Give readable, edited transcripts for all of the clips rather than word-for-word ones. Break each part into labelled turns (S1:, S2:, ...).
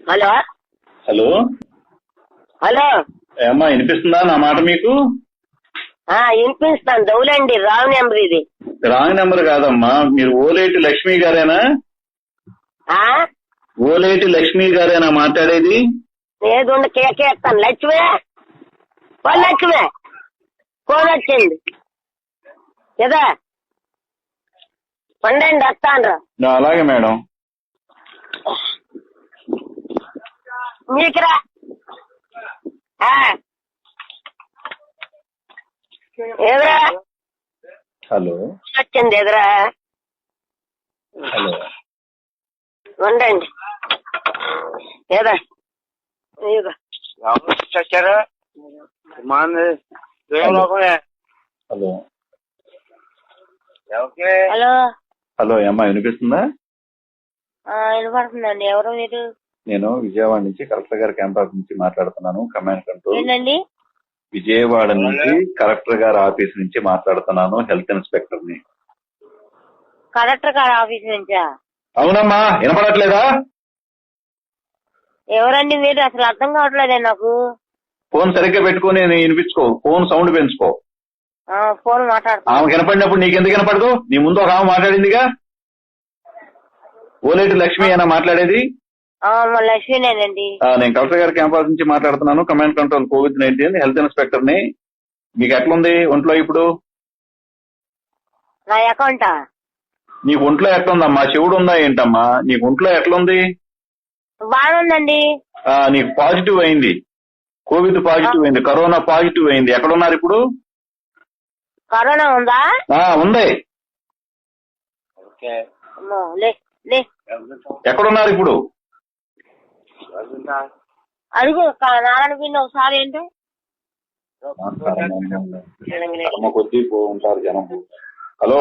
S1: Hello
S2: hello
S1: hello
S2: ఏమ్మా వినిపిస్తుందా నా మాట మీకు?
S1: వినిపిస్తాను. దౌలండి, రాంగ్ నెంబర్ ఇది.
S2: రాంగ్ నెంబర్ కాదమ్మా, మీరు ఓలేటి లక్ష్మి గారేనా? ఓలేటి లక్ష్మి గారేనా మాట్లాడేది?
S1: ఏదుండ కేకేస్తాను. లక్ష్మి లక్ష్మి ఫోన్ వచ్చింది కదా, పండండి వస్తాను.
S2: అలాగే మేడం.
S1: మీకురా ఎదురా
S2: హలో
S1: వచ్చింది ఎదురా.
S2: హలో
S1: ఉండండి ఏదా
S3: చచ్చారా?
S2: హలో
S1: హలో
S2: హలో ఏమ్మా వినిపిస్తుందా?
S1: వినపడుతుందండి. ఎవరు మీరు?
S2: నేను విజయవాడ నుంచి కలెక్టర్ గారి క్యాంపస్ నుంచి మాట్లాడుతున్నాను. Command control.
S1: ఏంటండి?
S2: విజయవాడ నుంచి కలెక్టర్ గారి ఆఫీస్ నుంచి మాట్లాడుతున్నాను. హెల్త్ ఇన్స్పెక్టర్ ని.
S1: కలెక్టర్ గారి ఆఫీస్ నుంచా?
S2: అవునమ్మా, వినపడట్లేదా?
S1: ఎవరండి మీరు? అసలు అర్థం కావట్లేదే నాకు.
S2: ఫోన్ సరిగ్గా పెట్టుకుని వినిపించుకో. ఫోన్ సౌండ్ పెంచుకో.
S1: ఫోన్ మాట్లాడుతున్నా.
S2: ఆమె కనపడినప్పుడు నీకెందుకు కనపడదు? నీ ముందు ఒక ఆమె మాట్లాడిందిగా. ఓలేటి లక్ష్మి అయినా మాట్లాడేది?
S1: లక్ష్మీనేనండి.
S2: నేను కలెక్టర్ గారి క్యాంపస్ నుంచి మాట్లాడుతున్నాను. Command control COVID-19 health inspector ని. మీకు ఎట్లుంది ఒంట్లో ఇప్పుడు?
S1: నా అకౌంటా?
S2: నీకు ఒంట్లో ఎట్లుందమ్మా? చెవుడు ఉందా ఏంటమ్మా? నీకు ఒంట్లో ఎట్లుంది?
S1: బాగుందండి.
S2: నీకు పాజిటివ్ అయింది. కోవిడ్ పాజిటివ్ అయింది. కరోనా పాజిటివ్ అయింది. ఎక్కడున్నారు ఇప్పుడు?
S1: కరోనా ఉందా?
S2: ఉంది. ఎక్కడున్నారు ఇప్పుడు?
S1: అడుగు నారాయణ పిన్ని ఒకసారి. ఏంటి
S2: కొద్దీ ఉంటారు జనం. హలో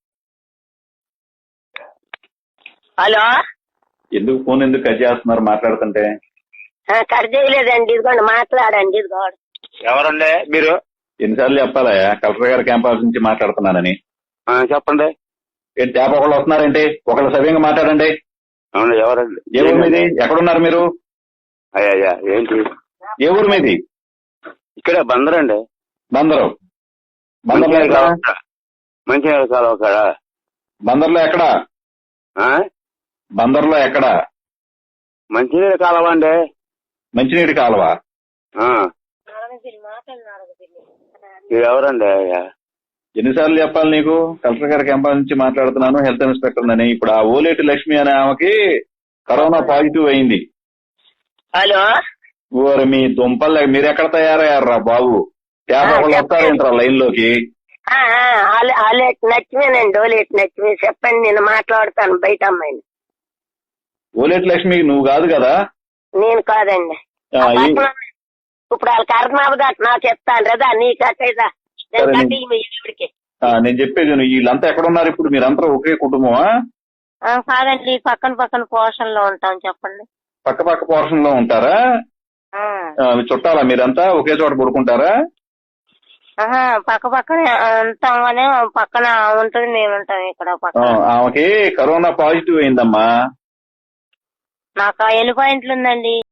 S1: హలో
S2: ఎందుకు ఫోన్ ఎందుకు కట్ చేస్తున్నారు మాట్లాడుతుంటే?
S1: కట్ చేయలేదండి. ఇదిగోండి మాట్లాడండి. ఇదిగోండి.
S3: ఎవరండి మీరు?
S2: ఎన్నిసార్లు చెప్పాలా కలెక్టర్ గారి క్యాంపస్ నుంచి మాట్లాడుతున్నానని?
S3: చెప్పండి.
S2: ఏంటి తేప ఒకళ్ళు వస్తున్నారంటే ఒకళ్ళు సవ్యంగా మాట్లాడండి.
S3: అవును, ఎవరండి?
S2: ఏ ఊరు మీది? ఎక్కడున్నారు మీరు?
S3: అయ్యా ఏంటి?
S2: ఏ ఊరు మీది?
S3: ఇక్కడే బందరండి.
S2: బందరు. బందర్లో ఎక్కడ?
S3: మంచినీళ్ళ కాలువ కాడ.
S2: బందర్లో ఎక్కడ? బందర్లో ఎక్కడ?
S3: మంచినీళ్ళ కాలువ అండి.
S2: మంచినీటి కాలువ.
S3: మీరు ఎవరండి? అయ్యా
S2: ఎన్నిసార్లు చెప్పాలి నీకు? కలెక్టర్ గారి క్యాంపస్ నుంచి మాట్లాడుతున్నాను. హెల్త్ ఇన్స్పెక్టర్ అని. ఇప్పుడు ఆ ఓలేటి లక్ష్మి అనే ఆమెకి కరోనా పాజిటివ్ అయింది.
S1: హలో
S2: ఓరి మీ దుంపల్, మీరు ఎక్కడ తయారయ్యారా బాబు? ఒకళ్ళు వస్తారేంట్రా లైన్ లోకి?
S1: లక్ష్మీనండి. ఓలేటి లక్ష్మి. చెప్పండి, నేను మాట్లాడతాను బయట అమ్మాయిని.
S2: ఓలేటి లక్ష్మి నువ్వు కాదు కదా?
S1: నేను కాదండి. ఇప్పుడు వాళ్ళకి అర్థం అవ్వదు. నాకు చెప్తాను కదా, నీకట్టేదా?
S2: నేను చెప్పేది వీళ్ళంతా ఎక్కడున్నారు ఇప్పుడు? మీరంతా ఒకే కుటుంబమా?
S1: కాదండి, పక్కన పోర్షన్ లో ఉంటాం. చెప్పండి.
S2: పక్క పోర్షన్ లో ఉంటారా? చుట్టాలా మీరంతా? ఒకే చోట పడుకుంటారా?
S1: పక్కనే ఉంటాం కానీ పక్కన ఉంటుంది, మేము ఉంటాం ఇక్కడ.
S2: ఆమెకి కరోనా పాజిటివ్ అయిందమ్మా.
S1: నాకు 7 పాయింట్లు ఉందండి.